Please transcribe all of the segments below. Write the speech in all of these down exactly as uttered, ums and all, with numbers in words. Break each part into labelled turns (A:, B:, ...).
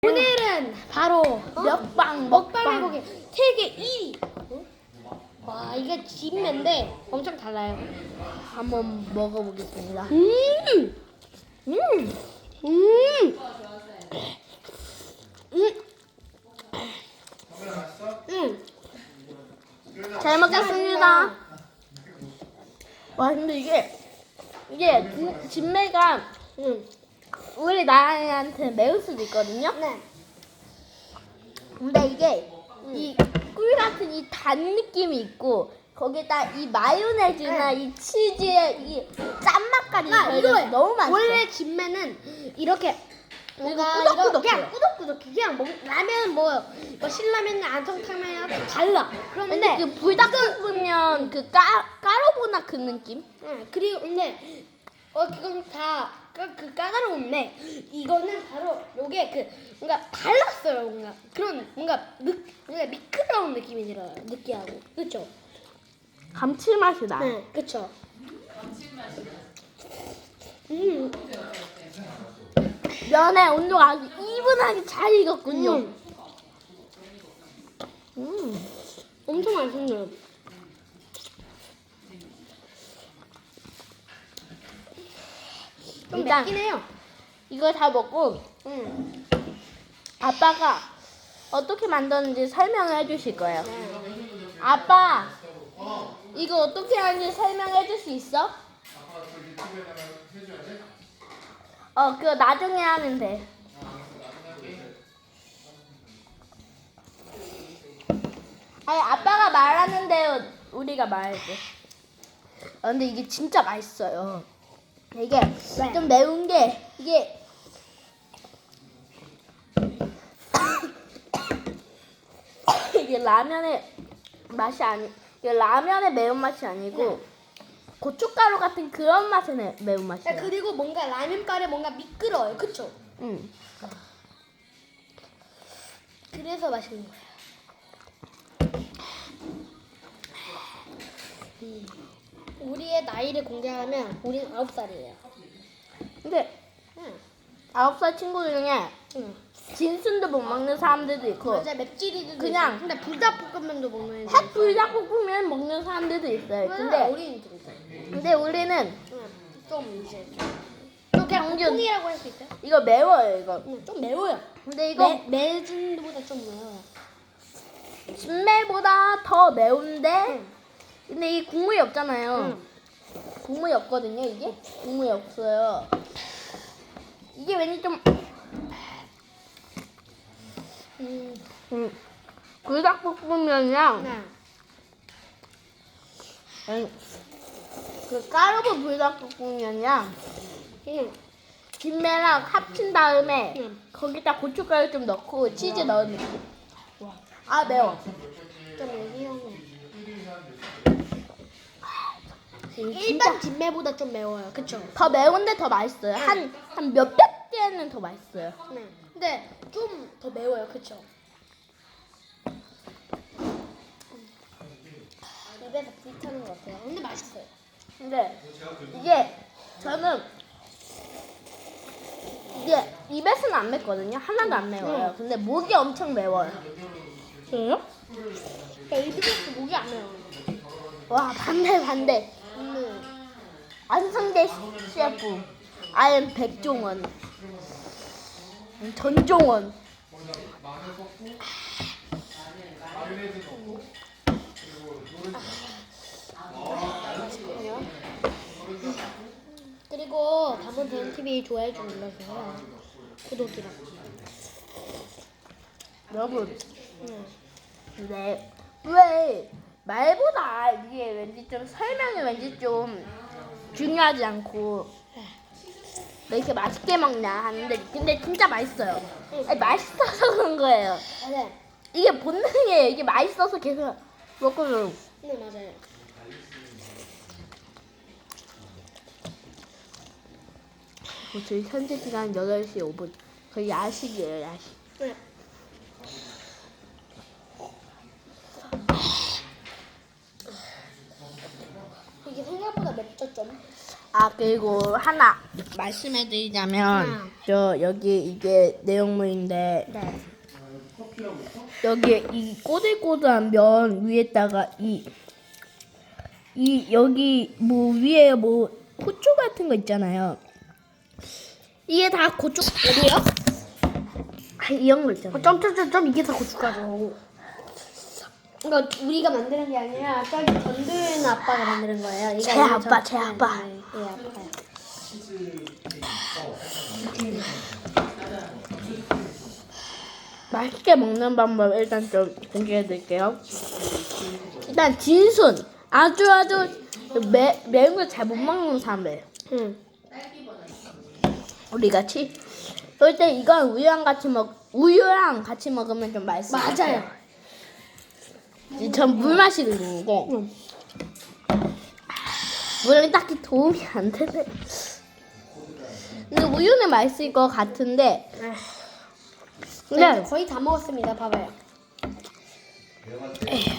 A: 오늘은 바로
B: 먹방
A: 먹방
B: 먹방
A: 해보기 세계 일 위. 와, 이게 진매인데 엄청 달라요.
B: 한번 먹어보겠습니다.
A: 음, 음, 음, 음, 음.
B: 잘 먹겠습니다. 와 근데 이게 이게 진- 진매가
A: 음.
B: 우리 나한테 매울 수도 있거든요.
A: 네.
B: 근데 이게 이 꿀 같은 이 단 느낌이 있고 거기다 이 마요네즈나 이 치즈의 이 짠맛까지
A: 아,
B: 더해져서
A: 이거예요.
B: 너무 맛있어.
A: 원래 진매는 이렇게 뭔가
B: 꾸덕꾸덕해.
A: 이거 그냥 꾸덕꾸덕해. 그냥 먹, 라면 뭐, 뭐 신라면이나 안성탕면이랑 달라.
B: 근데
A: 그런데
B: 그 불닭볶음면 그 까, 까로보나 그 느낌?
A: 응, 그리고 근데 어 그건 다 그 까다로운데 이거는 바로 요게 그 뭔가 달랐어요. 뭔가 그런 뭔가 느, 뭔가 미끄러운 느낌이 들어요. 느끼하고 그렇죠?
B: 감칠맛이 나.
A: 네, 그렇죠. 음,
B: 면의 온도가 아주 이분하게 잘 익었군요.
A: 음,
B: 음.
A: 엄청 맛있네요. 좀
B: 일단
A: 맵긴 해요.
B: 이걸 다 먹고
A: 음,
B: 아빠가 어떻게 만드는지 설명을 해주실 거예요.
A: 네.
B: 아빠, 이거 어떻게 하는지 설명해 줄 수 있어? 어, 그거 나중에 하면 돼. 아니, 아빠가 말하는데 우리가 말할게. 아, 근데 이게 진짜 맛있어요. 이게
A: 네.
B: 좀 매운 게 이게 이게 라면의 맛이 아니, 이게 라면의 매운 맛이 아니고 고춧가루 같은 그런 맛의 매- 매운 맛이에요.
A: 네, 그리고 뭔가 라면가루 뭔가 미끄러워요. 그쵸?
B: 응.
A: 그래서 맛있는 거예요. 음. 우리의 나이를 공개하면 우리는 아홉 살이에요.
B: 근데
A: 응.
B: 아홉 살 친구 중에
A: 응.
B: 진순도 못 먹는 사람들도 있고
A: 맞아, 맵찔이도
B: 그냥
A: 근데 불닭볶음면도 먹는 애들
B: 핫 불닭볶음면 먹는 사람들도 있어요.
A: 근데
B: 근데
A: 어린이들 있어요.
B: 근데 우리는
A: 응. 좀 이제
B: 좀 그냥
A: 콩이라고 할 수 있어요?
B: 이거 매워요 이거.
A: 응, 좀 매워요.
B: 근데 이거
A: 매 매진보다 좀 매워요.
B: 진매보다 더 매운데
A: 응.
B: 근데 이 국물이 없잖아요.
A: 응.
B: 국물이 없거든요 이게. 국물이 없어요. 이게 왠지 좀
A: 음.
B: 음, 불닭볶음면이랑
A: 네.
B: 아니, 그 까르보 불닭볶음면이랑
A: 응.
B: 김매랑 합친 다음에
A: 응.
B: 거기다 고춧가루 좀 넣고 치즈 넣은 느낌. 아 매워.
A: 좀 매워요.
B: 진짜
A: 일반 진매보다 좀 매워요. 그쵸?
B: 더 매운데 더 맛있어요. 한 한 몇백 개는 더 맛있어요.
A: 네. 근데 좀 더 매워요. 그쵸? 입에서 불이 타는 것 같아요. 근데 맛있어요.
B: 근데 이게 저는 이게 입에서는 안 맵거든요. 하나도 안 매워요. 근데 목이 엄청 매워요. 그래요?
A: 그러니까 입에서 목이 안 매워요.
B: 와 반대 반대.
A: 음.
B: 안성대 셰프 아연 백종원 전종원.
A: 맛있거든요. 그리고 담원 대현티비 좋아요 좀 눌러주세요. 구독이랑.
B: 여러분
A: 응.
B: 근데 왜 말보다 이게 왠지 좀 설명이 왠지 좀 중요하지 않고 왜 이렇게 맛있게 먹냐 하는데 근데 진짜 맛있어요. 아니, 맛있어서 그런 거예요.
A: 맞아요.
B: 이게 본능이에요. 이게 맛있어서 계속 먹거든요.
A: 네, 맞아요.
B: 저희 현재 시간 여덟 시 오 분. 거의 야식이에요, 야식.
A: 네. 이게 생각보다 맵죠 좀.
B: 아 그리고 하나 말씀해드리자면
A: 음.
B: 저 여기 이게 내용물인데
A: 네.
B: 여기 이 꼬들꼬들한 면 위에다가 이 이 여기 뭐 위에 뭐 고추 같은 거 있잖아요. 이게 다 고추
A: 어디요?
B: 아, 이런 거 있잖아요.
A: 어, 점점점점 이게 다 고춧가루. 그러니까 우리가 만드는 게 아니라 저기 전두현 아빠가 만드는 거예요. 이게
B: 제
A: 아니라
B: 아빠,
A: 전-
B: 제 아빠.
A: 네, 네, 아빠요.
B: 맛있게 먹는 방법 일단 좀 공개해드릴게요. 일단 진순 아주 아주 매, 매운 걸 잘 못 먹는 사람들
A: 응.
B: 우리 같이 그럴 때 이건 우유랑 같이 먹 우유랑 같이 먹으면 좀 맛있어요.
A: 맞아요.
B: 전 물 마시는데
A: 응.
B: 물은 딱히 도움이 안 되네. 근데 우유는 맛있을 것 같은데
A: 네.
B: 근데
A: 거의 다 먹었습니다. 봐봐요. 에휴.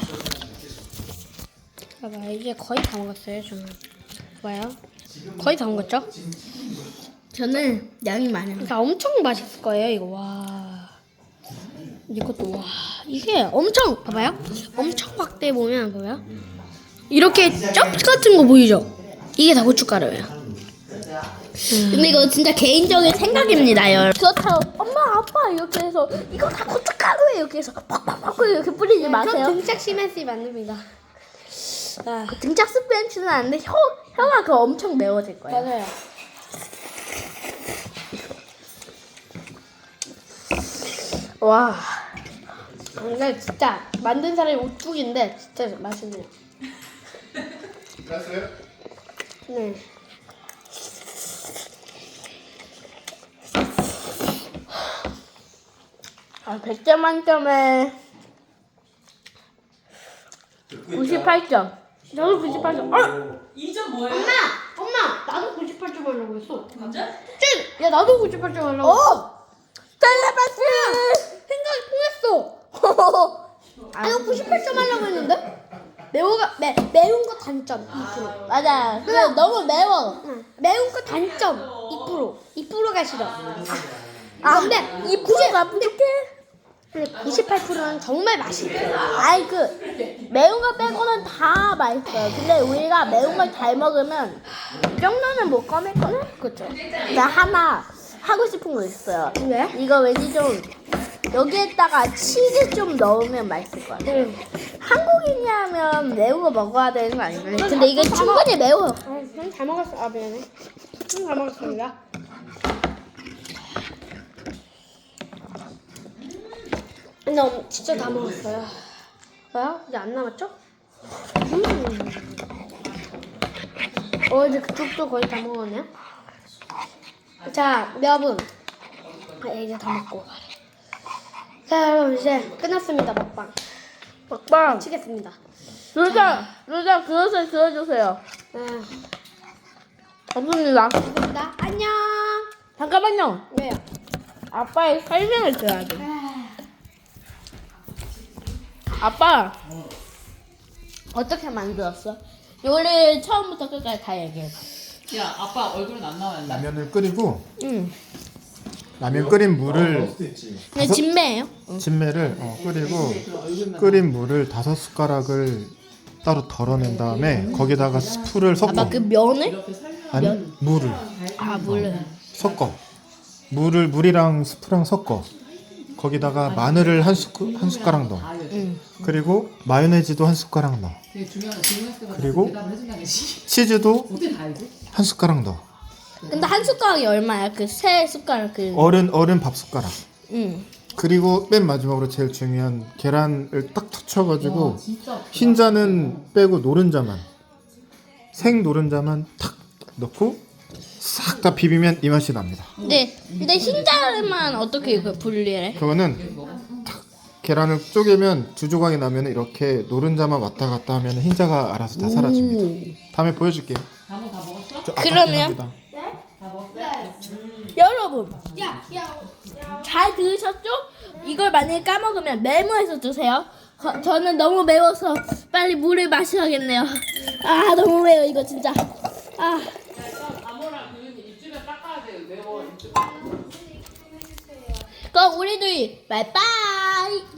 A: 봐봐 이제 거의 다 먹었어요. 저는. 봐요. 거의 다 먹었죠?
B: 저는 양이 많아요.
A: 그러니까 엄청 맛있을 거예요. 이거 와. 이것도 와. 이게 엄청 봐봐요. 엄청 확대해 보면 봐봐요. 이렇게 점 같은 거 보이죠? 이게 다 고춧가루예요.
B: 근데 이거 진짜 개인적인 생각입니다. 열. 그렇다고 엄마 아빠 이렇게 해서 이거 다 고춧가루에 이렇게 해서 팍팍팍 이렇게 뿌리지 마세요.
A: 전 등짝 시멘스 만듭니다. 아,
B: 등짝 스프렌치는 아는데 혀 혀가 그 엄청 매워질 거예요.
A: 맞아요.
B: 와.
A: 근데 진짜 만든 사람이 오뚝인데 진짜 맛있네요.
C: 됐어요?
A: 네.
B: 아, 백 점 만점에 구십팔 점.
A: 저도 구십팔 점. 어,
D: 이 점 뭐예요?
A: 엄마, 엄마, 나도 구십팔 점 하려고 했어.
D: 진짜?
A: 찐, 야 나도 구십팔 점 하려고.
B: 오! 텔레파시!
A: 생각이 통했어. 아, 이거 구십팔 점 하려고 했는데? 매워가 매 매운 거 단점 이 퍼센트.
B: 맞아. 근데 너무 매워.
A: 응. 매운 거 단점 이 퍼센트. 이 퍼센트가 싫어.
B: 아,
A: 근데
B: 이 프로가 부족해.
A: 근데 구십팔 퍼센트는 정말 맛있어요.
B: 아이 그 매운 거 빼고는 다 맛있어요. 근데 우리가 매운 걸 잘 먹으면 이 정도는 못 꺼낼 거네.
A: 그렇죠.
B: 나 하나 하고 싶은 거 있어요.
A: 왜?
B: 이거 왠지 좀 여기에다가 치즈 좀 넣으면 맛있을 것 같아요.
A: 응.
B: 한국인이라면 매운 거 먹어야 되는 거 아닌가요? 근데 이게 충분히 매워.
A: 아, 그럼 잘 먹었어. 아 미안해. 음, 잘 먹었습니다. 근데 엄- 진짜 다 먹었어요. 뭐야? 이제 안 남았죠? 음. 어 이제 그쪽도 거의 다 먹었네요. 자 여러분, 아, 이제 다 먹고. 자 여러분 이제 끝났습니다. 먹방
B: 먹방.
A: 치겠습니다.
B: 루자 루자 그릇을 그려주세요.
A: 아,
B: 없습니다.
A: 감사합니다. 안녕.
B: 잠깐만요.
A: 왜요?
B: 아빠의 설명을 들어야 돼.
A: 아,
B: 아빠 어떻게 만들었어? 요리를 처음부터 끝까지 다 얘기해.
D: 야, 아빠 얼굴은 안 나왔는데.
C: 라면을 끓이고
B: 응.
C: 라면 끓인 물을
B: 근데 진매예요.
C: 진매를 어, 끓이고 끓인 물을 다섯 숟가락을 따로 덜어낸 다음에 거기다가 스프를 섞어.
B: 아빠 그 면을?
D: 이렇게 설명.
C: 아니 물을
B: 아 물을.
C: 섞어. 물을 물이랑 스프랑 섞어. 거기다가 마늘을 한 숟, 한 숟가락 넣어.
B: 응.
C: 그리고 마요네즈도 한 숟가락 넣어.
D: 되게 중요한 질문했을 때
C: 그리고
D: 대답을 해준다는 지
C: 치즈도
D: 어떻게 다 알지?
C: 한 숟가락 넣어.
B: 근데 한 숟가락이 얼마야? 그 세 숟가락 그.
C: 어른 어른 밥 숟가락.
B: 응.
C: 그리고 맨 마지막으로 제일 중요한 계란을 딱 터쳐가지고
D: 진짜.
C: 흰자는 빼고 노른자만 생 노른자만 탁 넣고 싹 다 비비면 이 맛이 납니다.
B: 근데 근데 흰자만 어떻게 그 분리해?
C: 그거는 탁 계란을 쪼개면 두 조각이 나면 이렇게 노른자만 왔다 갔다 하면 흰자가 알아서 다 사라집니다. 다음에 보여줄게요.
D: 다뭐 다 먹었어?
C: 저
B: 그러면?
C: 아깝긴 합니다.
D: 다 먹었어?
B: 여러분
A: 야, 야.
B: 잘 들으셨죠? 이걸 만약에 까먹으면 메모해서 드세요. 거- 저는 너무 매워서 빨리 물을 마셔야겠네요. 아 너무 매워 이거 진짜. 아 그럼 우리 둘이 바이바이.